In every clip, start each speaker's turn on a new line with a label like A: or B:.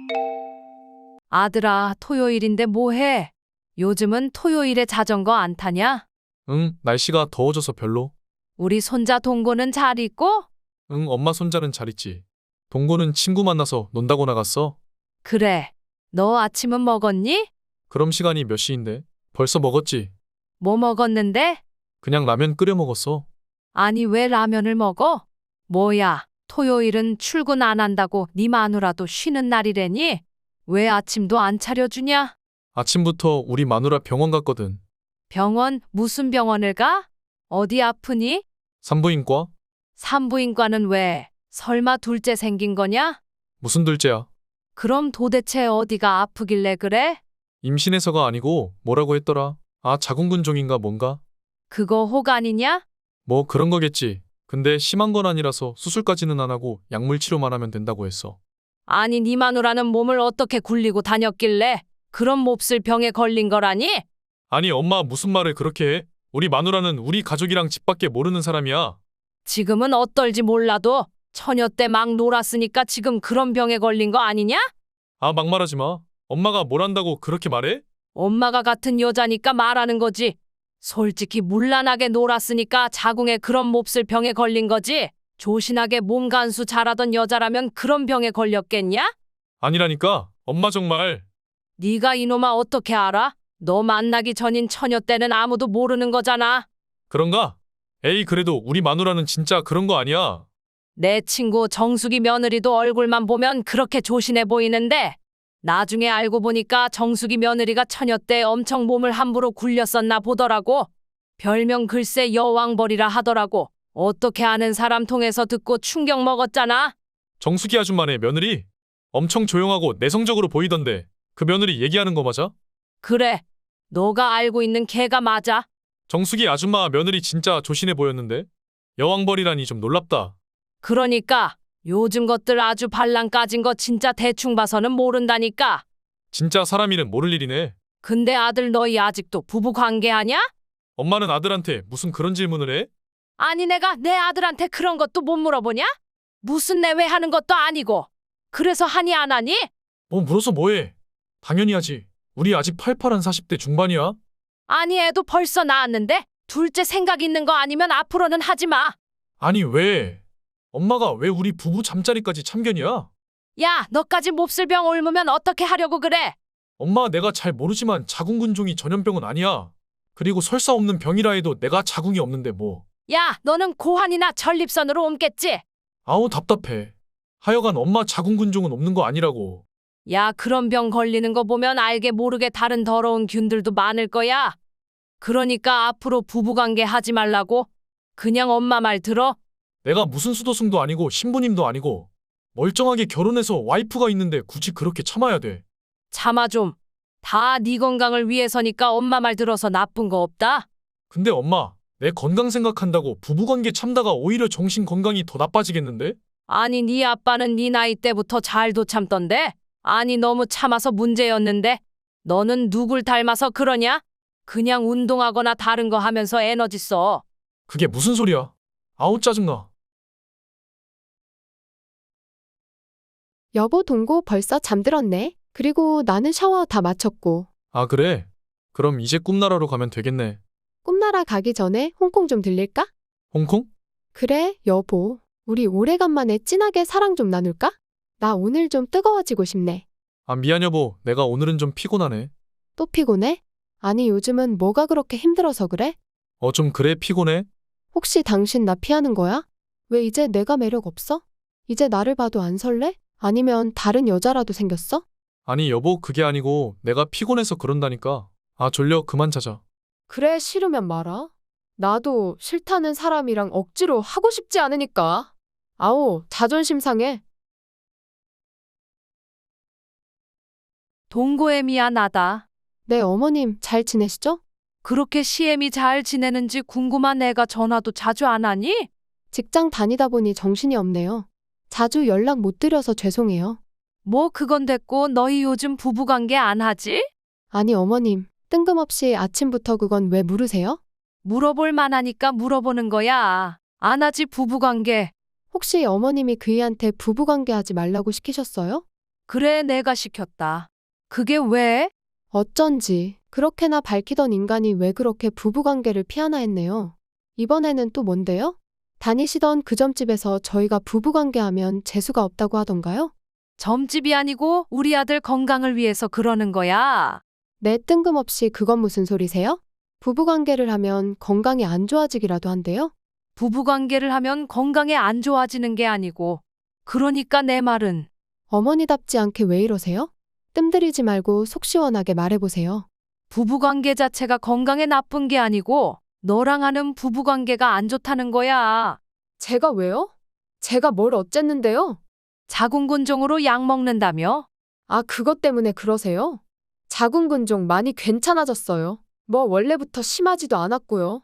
A: 아들아, 토요일인데 뭐해? 요즘은 토요일에 자전거 안 타냐?
B: 응, 날씨가 더워져서 별로.
A: 우리 손자 동고는 잘 있고?
B: 응, 엄마 손자는 잘 있지. 동고는 친구 만나서 논다고 나갔어.
A: 그래. 너 아침은 먹었니?
B: 그럼 시간이 몇 시인데? 벌써 먹었지.
A: 뭐 먹었는데?
B: 그냥 라면 끓여 먹었어.
A: 아니, 왜 라면을 먹어? 뭐야, 토요일은 출근 안 한다고 네 마누라도 쉬는 날이래니? 왜 아침도 안 차려주냐?
B: 아침부터 우리 마누라 병원 갔거든.
A: 병원, 무슨 병원을 가? 어디 아프니?
B: 산부인과?
A: 산부인과는 왜? 설마 둘째 생긴 거냐?
B: 무슨 둘째야?
A: 그럼 도대체 어디가 아프길래 그래?
B: 임신해서가 아니고 뭐라고 했더라? 아, 자궁근종인가 뭔가?
A: 그거 호간이냐?
B: 뭐 그런 거겠지. 근데 심한 건 아니라서 수술까지는 안 하고 약물 치료만 하면 된다고 했어.
A: 아니, 네 마누라는 몸을 어떻게 굴리고 다녔길래 그런 몹쓸 병에 걸린 거라니?
B: 아니, 엄마 무슨 말을 그렇게 해? 우리 마누라는 우리 가족이랑 집밖에 모르는 사람이야.
A: 지금은 어떨지 몰라도 처녀 때 막 놀았으니까 지금 그런 병에 걸린 거 아니냐?
B: 아, 막말하지 마. 엄마가 뭘 안다고 그렇게 말해?
A: 엄마가 같은 여자니까 말하는 거지. 솔직히 문란하게 놀았으니까 자궁에 그런 몹쓸 병에 걸린 거지. 조신하게 몸 간수 잘하던 여자라면 그런 병에 걸렸겠냐?
B: 아니라니까. 엄마 정말.
A: 네가 이놈아 어떻게 알아? 너 만나기 전인 처녀 때는 아무도 모르는 거잖아.
B: 그런가? 에이, 그래도 우리 마누라는 진짜 그런 거 아니야.
A: 내 친구 정숙이 며느리도 얼굴만 보면 그렇게 조신해 보이는데 나중에 알고 보니까 정숙이 며느리가 처녀 때 엄청 몸을 함부로 굴렸었나 보더라고. 별명 글쎄 여왕벌이라 하더라고. 어떻게 아는 사람 통해서 듣고 충격 먹었잖아.
B: 정수기 아줌마네 며느리. 엄청 조용하고 내성적으로 보이던데 그 며느리 얘기하는 거 맞아?
A: 그래, 너가 알고 있는 걔가 맞아.
B: 정수기 아줌마 며느리 진짜 조신해 보였는데 여왕벌이라니 좀 놀랍다.
A: 그러니까 요즘 것들 아주 발랑 까진 거 진짜 대충 봐서는 모른다니까.
B: 진짜 사람 일은 모를 일이네.
A: 근데 아들 너희 아직도 부부 관계하냐?
B: 엄마는 아들한테 무슨 그런 질문을 해?
A: 아니 내가 내 아들한테 그런 것도 못 물어보냐? 무슨 내외하는 것도 아니고. 그래서 하니 안 하니?
B: 뭐 물어서 뭐해? 당연히 하지. 우리 아직 팔팔한 40대 중반이야.
A: 아니 애도 벌써 낳았는데 둘째 생각 있는 거 아니면 앞으로는 하지 마.
B: 아니 왜? 엄마가 왜 우리 부부 잠자리까지 참견이야?
A: 야, 너까지 몹쓸 병 옮으면 어떻게 하려고 그래?
B: 엄마 내가 잘 모르지만 자궁근종이 전염병은 아니야. 그리고 설사 없는 병이라 해도 내가 자궁이 없는데 뭐.
A: 야, 너는 고환이나 전립선으로 옮겠지?
B: 아우 답답해. 하여간 엄마 자궁근종은 없는 거 아니라고.
A: 야, 그런 병 걸리는 거 보면 알게 모르게 다른 더러운 균들도 많을 거야. 그러니까 앞으로 부부관계 하지 말라고. 그냥 엄마 말 들어.
B: 내가 무슨 수도승도 아니고 신부님도 아니고 멀쩡하게 결혼해서 와이프가 있는데 굳이 그렇게 참아야 돼.
A: 참아 좀. 다 네 건강을 위해서니까 엄마 말 들어서 나쁜 거 없다.
B: 근데 엄마, 내 건강 생각한다고 부부관계 참다가 오히려 정신 건강이 더 나빠지겠는데?
A: 아니 네 아빠는 네 나이 때부터 잘도 참던데. 아니 너무 참아서 문제였는데. 너는 누굴 닮아서 그러냐? 그냥 운동하거나 다른 거 하면서 에너지 써.
B: 그게 무슨 소리야? 아우 짜증나.
C: 여보 동고 벌써 잠들었네. 그리고 나는 샤워 다 마쳤고.
B: 아 그래? 그럼 이제 꿈나라로 가면 되겠네.
C: 꿈나라 가기 전에 홍콩 좀 들릴까?
B: 홍콩?
C: 그래, 여보. 우리 오래간만에 진하게 사랑 좀 나눌까? 나 오늘 좀 뜨거워지고 싶네.
B: 아 미안 여보, 내가 오늘은 좀 피곤하네.
C: 또 피곤해? 아니 요즘은 뭐가 그렇게 힘들어서 그래?
B: 좀 그래 피곤해?
C: 혹시 당신 나 피하는 거야? 왜 이제 내가 매력 없어? 이제 나를 봐도 안 설레? 아니면 다른 여자라도 생겼어?
B: 아니 여보 그게 아니고 내가 피곤해서 그런다니까. 아 졸려 그만 자자.
C: 그래, 싫으면 말아. 나도 싫다는 사람이랑 억지로 하고 싶지 않으니까. 아오, 자존심 상해.
A: 동고에 미안하다.
C: 네, 어머님 잘 지내시죠?
A: 그렇게 시엠이 잘 지내는지 궁금한 애가 전화도 자주 안 하니?
C: 직장 다니다 보니 정신이 없네요. 자주 연락 못 드려서 죄송해요.
A: 뭐 그건 됐고 너희 요즘 부부관계 안 하지?
C: 아니, 어머님, 뜬금없이 아침부터 그건 왜 물으세요?
A: 물어볼 만하니까 물어보는 거야. 안 하지 부부관계.
C: 혹시 어머님이 그이한테 부부관계 하지 말라고 시키셨어요?
A: 그래, 내가 시켰다. 그게 왜?
C: 어쩐지 그렇게나 밝히던 인간이 왜 그렇게 부부관계를 피하나 했네요. 이번에는 또 뭔데요? 다니시던 그 점집에서 저희가 부부관계하면 재수가 없다고 하던가요?
A: 점집이 아니고 우리 아들 건강을 위해서 그러는 거야.
C: 네, 뜬금없이 그건 무슨 소리세요? 부부관계를 하면 건강이 안 좋아지기라도 한대요?
A: 부부관계를 하면 건강에 안 좋아지는 게 아니고. 그러니까 내 말은
C: 어머니답지 않게 왜 이러세요? 뜸들이지 말고 속 시원하게 말해보세요.
A: 부부관계 자체가 건강에 나쁜 게 아니고 너랑 하는 부부관계가 안 좋다는 거야.
C: 제가 왜요? 제가 뭘 어쨌는데요?
A: 자궁근종으로 약 먹는다며?
C: 아, 그것 때문에 그러세요? 자궁근종 많이 괜찮아졌어요. 뭐 원래부터 심하지도 않았고요.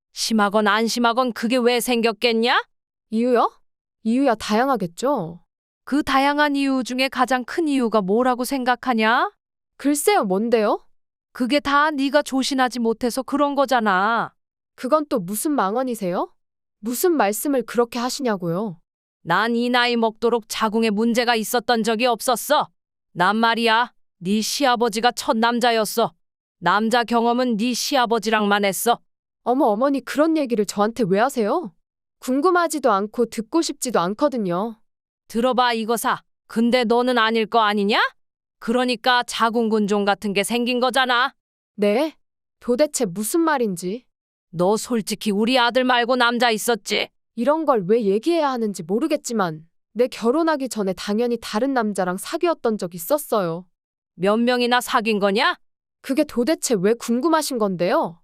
A: 심하건 안 심하건 그게 왜 생겼겠냐?
C: 이유요? 이유야 다양하겠죠?
A: 그 다양한 이유 중에 가장 큰 이유가 뭐라고 생각하냐?
C: 글쎄요, 뭔데요?
A: 그게 다 네가 조신하지 못해서 그런 거잖아.
C: 그건 또 무슨 망언이세요? 무슨 말씀을 그렇게 하시냐고요?
A: 난 이 나이 먹도록 자궁에 문제가 있었던 적이 없었어. 난 말이야, 네 시아버지가 첫 남자였어. 남자 경험은 네 시아버지랑만 했어.
C: 어머, 어머니 그런 얘기를 저한테 왜 하세요? 궁금하지도 않고 듣고 싶지도 않거든요.
A: 들어봐 이거사. 근데 너는 아닐 거 아니냐? 그러니까 자궁근종 같은 게 생긴 거잖아.
C: 네? 도대체 무슨 말인지,
A: 너 솔직히 우리 아들 말고 남자 있었지?
C: 이런 걸 왜 얘기해야 하는지 모르겠지만 내 결혼하기 전에 당연히 다른 남자랑 사귀었던 적 있었어요.
A: 몇 명이나 사귄 거냐?
C: 그게 도대체 왜 궁금하신 건데요?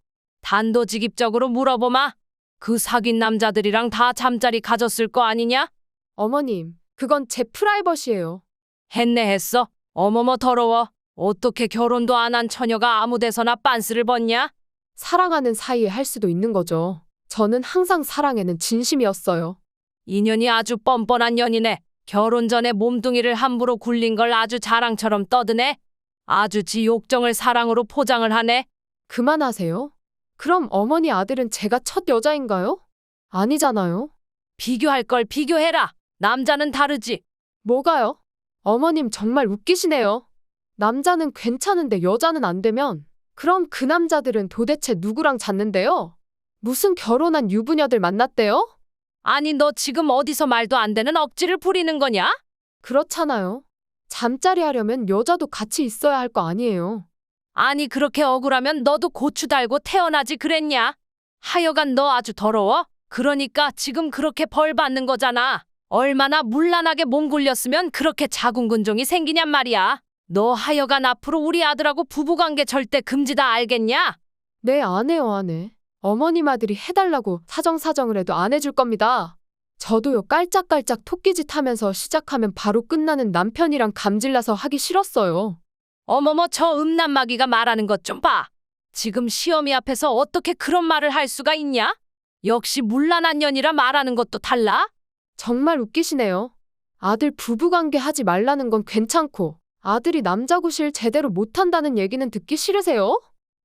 A: 단도직입적으로 물어보마. 그 사귄 남자들이랑 다 잠자리 가졌을 거 아니냐?
C: 어머님, 그건 제 프라이버시예요.
A: 했네 했어. 어머머 더러워. 어떻게 결혼도 안 한 처녀가 아무 데서나 빤스를 벗냐?
C: 사랑하는 사이에 할 수도 있는 거죠. 저는 항상 사랑에는 진심이었어요.
A: 인연이 아주 뻔뻔한 년이네. 결혼 전에 몸뚱이를 함부로 굴린 걸 아주 자랑처럼 떠드네. 아주 지 욕정을 사랑으로 포장을 하네.
C: 그만하세요. 그럼 어머니 아들은 제가 첫 여자인가요? 아니잖아요.
A: 비교할 걸 비교해라. 남자는 다르지.
C: 뭐가요? 어머님 정말 웃기시네요. 남자는 괜찮은데 여자는 안 되면 그럼 그 남자들은 도대체 누구랑 잤는데요? 무슨 결혼한 유부녀들 만났대요?
A: 아니 너 지금 어디서 말도 안 되는 억지를 부리는 거냐?
C: 그렇잖아요. 잠자리 하려면 여자도 같이 있어야 할 거 아니에요.
A: 아니 그렇게 억울하면 너도 고추 달고 태어나지 그랬냐? 하여간 너 아주 더러워. 그러니까 지금 그렇게 벌 받는 거잖아. 얼마나 문란하게 몸 굴렸으면 그렇게 자궁근종이 생기냔 말이야. 너 하여간 앞으로 우리 아들하고 부부관계 절대 금지다 알겠냐?
C: 네, 안 해요, 안 해. 어머님 아들이 해달라고 사정사정을 해도 안 해줄 겁니다. 저도요, 깔짝깔짝 토끼짓 하면서 시작하면 바로 끝나는 남편이랑 감질나서 하기 싫었어요.
A: 어머머 저 음란마귀가 말하는 것 좀 봐. 지금 시어미 앞에서 어떻게 그런 말을 할 수가 있냐? 역시 문란한 년이라 말하는 것도 달라?
C: 정말 웃기시네요. 아들 부부관계 하지 말라는 건 괜찮고 아들이 남자 구실 제대로 못한다는 얘기는 듣기 싫으세요?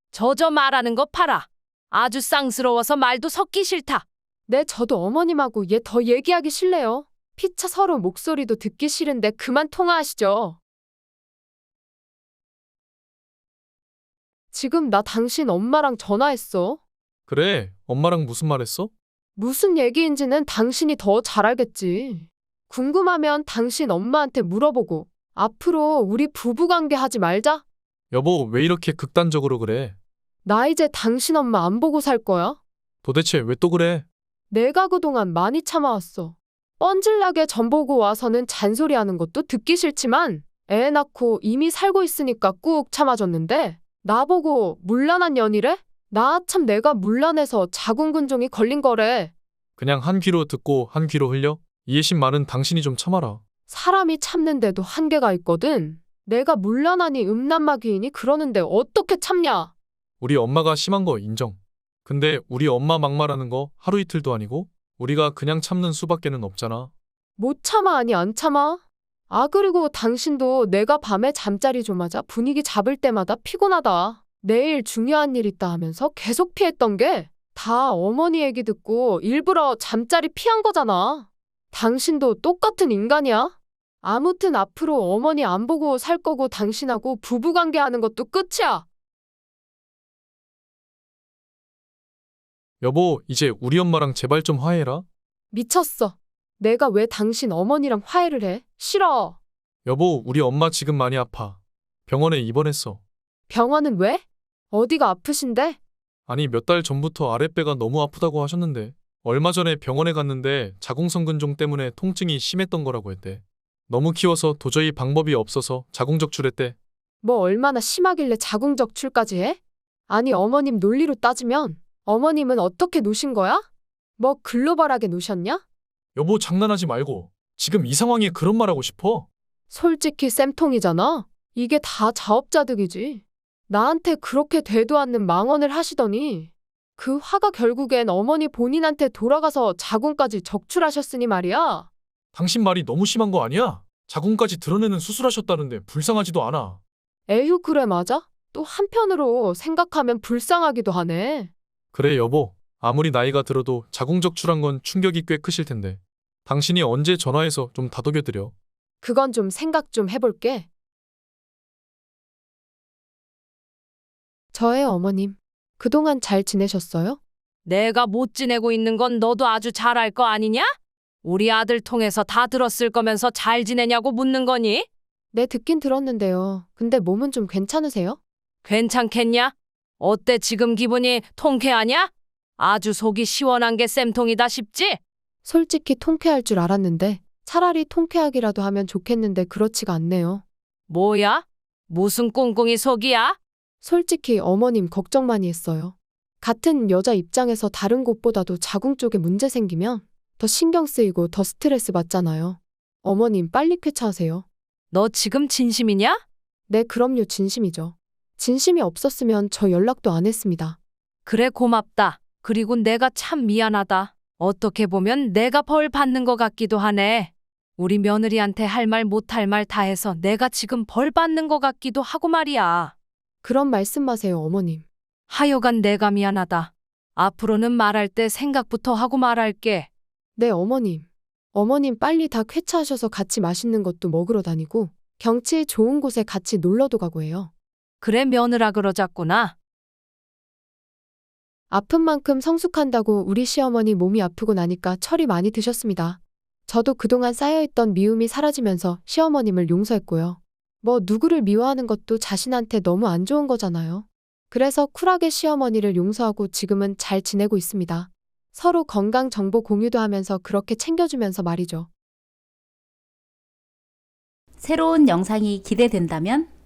A: 저 말하는 거 봐라. 아주 쌍스러워서 말도 섞기 싫다.
C: 네, 저도 어머님하고 얘 더 얘기하기 싫네요. 피차 서로 목소리도 듣기 싫은데 그만 통화하시죠. 지금 나 당신 엄마랑 전화했어.
B: 그래, 엄마랑 무슨 말 했어?
C: 무슨 얘기인지는 당신이 더 잘 알겠지. 궁금하면 당신 엄마한테 물어보고 앞으로 우리 부부관계 하지 말자.
B: 여보, 왜 이렇게 극단적으로 그래?
C: 나 이제 당신 엄마 안 보고 살 거야.
B: 도대체 왜 또 그래?
C: 내가 그동안 많이 참아왔어. 뻔질나게 전 보고 와서는 잔소리하는 것도 듣기 싫지만 애 낳고 이미 살고 있으니까 꾹 참아줬는데 나보고 문란한 년이래? 나 참 내가 문란해서 자궁근종이 걸린 거래.
B: 그냥 한 귀로 듣고 한 귀로 흘려? 이해심 많은 당신이 좀 참아라.
C: 사람이 참는데도 한계가 있거든. 내가 문란하니 음란마귀이니 그러는데 어떻게 참냐?
B: 우리 엄마가 심한 거 인정. 근데 우리 엄마 막말하는 거 하루 이틀도 아니고 우리가 그냥 참는 수밖에는 없잖아.
C: 못 참아 아니 안 참아? 아, 그리고 당신도 내가 밤에 잠자리 좀 하자 분위기 잡을 때마다 피곤하다. 내일 중요한 일 있다 하면서 계속 피했던 게 다 어머니 얘기 듣고 일부러 잠자리 피한 거잖아. 당신도 똑같은 인간이야? 아무튼 앞으로 어머니 안 보고 살 거고 당신하고 부부관계 하는 것도 끝이야.
B: 여보, 이제 우리 엄마랑 제발 좀 화해라.
C: 미쳤어. 내가 왜 당신 어머니랑 화해를 해? 싫어.
B: 여보, 우리 엄마 지금 많이 아파. 병원에 입원했어.
C: 병원은 왜? 어디가 아프신데?
B: 아니, 몇 달 전부터 아랫배가 너무 아프다고 하셨는데 얼마 전에 병원에 갔는데 자궁성근종 때문에 통증이 심했던 거라고 했대. 너무 키워서 도저히 방법이 없어서 자궁적출했대.
C: 뭐 얼마나 심하길래 자궁적출까지 해? 아니 어머님 논리로 따지면 어머님은 어떻게 노신 거야? 뭐 글로벌하게 노셨냐?
B: 여보, 장난하지 말고. 지금 이 상황에 그런 말하고 싶어?
C: 솔직히 쌤통이잖아. 이게 다 자업자득이지. 나한테 그렇게 되도 않는 망언을 하시더니 그 화가 결국엔 어머니 본인한테 돌아가서 자궁까지 적출하셨으니 말이야.
B: 당신 말이 너무 심한 거 아니야? 자궁까지 드러내는 수술하셨다는데 불쌍하지도 않아.
C: 에휴 그래 맞아? 또 한편으로 생각하면 불쌍하기도 하네.
B: 그래, 여보. 아무리 나이가 들어도 자궁적출한 건 충격이 꽤 크실 텐데. 당신이 언제 전화해서 좀 다독여드려.
C: 그건 좀 생각 좀 해볼게. 저의 어머님, 그동안 잘 지내셨어요?
A: 내가 못 지내고 있는 건 너도 아주 잘 알 거 아니냐? 우리 아들 통해서 다 들었을 거면서 잘 지내냐고 묻는 거니?
C: 네, 듣긴 들었는데요. 근데 몸은 좀 괜찮으세요?
A: 괜찮겠냐? 어때 지금 기분이 통쾌하냐? 아주 속이 시원한 게 쌤통이다 싶지?
C: 솔직히 통쾌할 줄 알았는데 차라리 통쾌하기라도 하면 좋겠는데 그렇지가 않네요.
A: 뭐야? 무슨 꿍꿍이 속이야?
C: 솔직히 어머님 걱정 많이 했어요. 같은 여자 입장에서 다른 곳보다도 자궁 쪽에 문제 생기면 더 신경 쓰이고 더 스트레스 받잖아요. 어머님 빨리 쾌차하세요.
A: 너 지금 진심이냐?
C: 네, 그럼요. 진심이죠. 진심이 없었으면 저 연락도 안 했습니다.
A: 그래 고맙다. 그리고 내가 참 미안하다. 어떻게 보면 내가 벌 받는 것 같기도 하네. 우리 며느리한테 할 말 못할 말 다 해서 내가 지금 벌 받는 것 같기도 하고 말이야.
C: 그런 말씀 마세요, 어머님.
A: 하여간 내가 미안하다. 앞으로는 말할 때 생각부터 하고 말할게.
C: 네, 어머님. 어머님 빨리 다 쾌차하셔서 같이 맛있는 것도 먹으러 다니고 경치 좋은 곳에 같이 놀러도 가고 해요.
A: 그래 며느라 그러자꾸나.
C: 아픈 만큼 성숙한다고 우리 시어머니 몸이 아프고 나니까 철이 많이 드셨습니다. 저도 그동안 쌓여있던 미움이 사라지면서 시어머님을 용서했고요. 뭐 누구를 미워하는 것도 자신한테 너무 안 좋은 거잖아요. 그래서 쿨하게 시어머니를 용서하고 지금은 잘 지내고 있습니다. 서로 건강 정보 공유도 하면서 그렇게 챙겨주면서 말이죠.
D: 새로운 영상이 기대된다면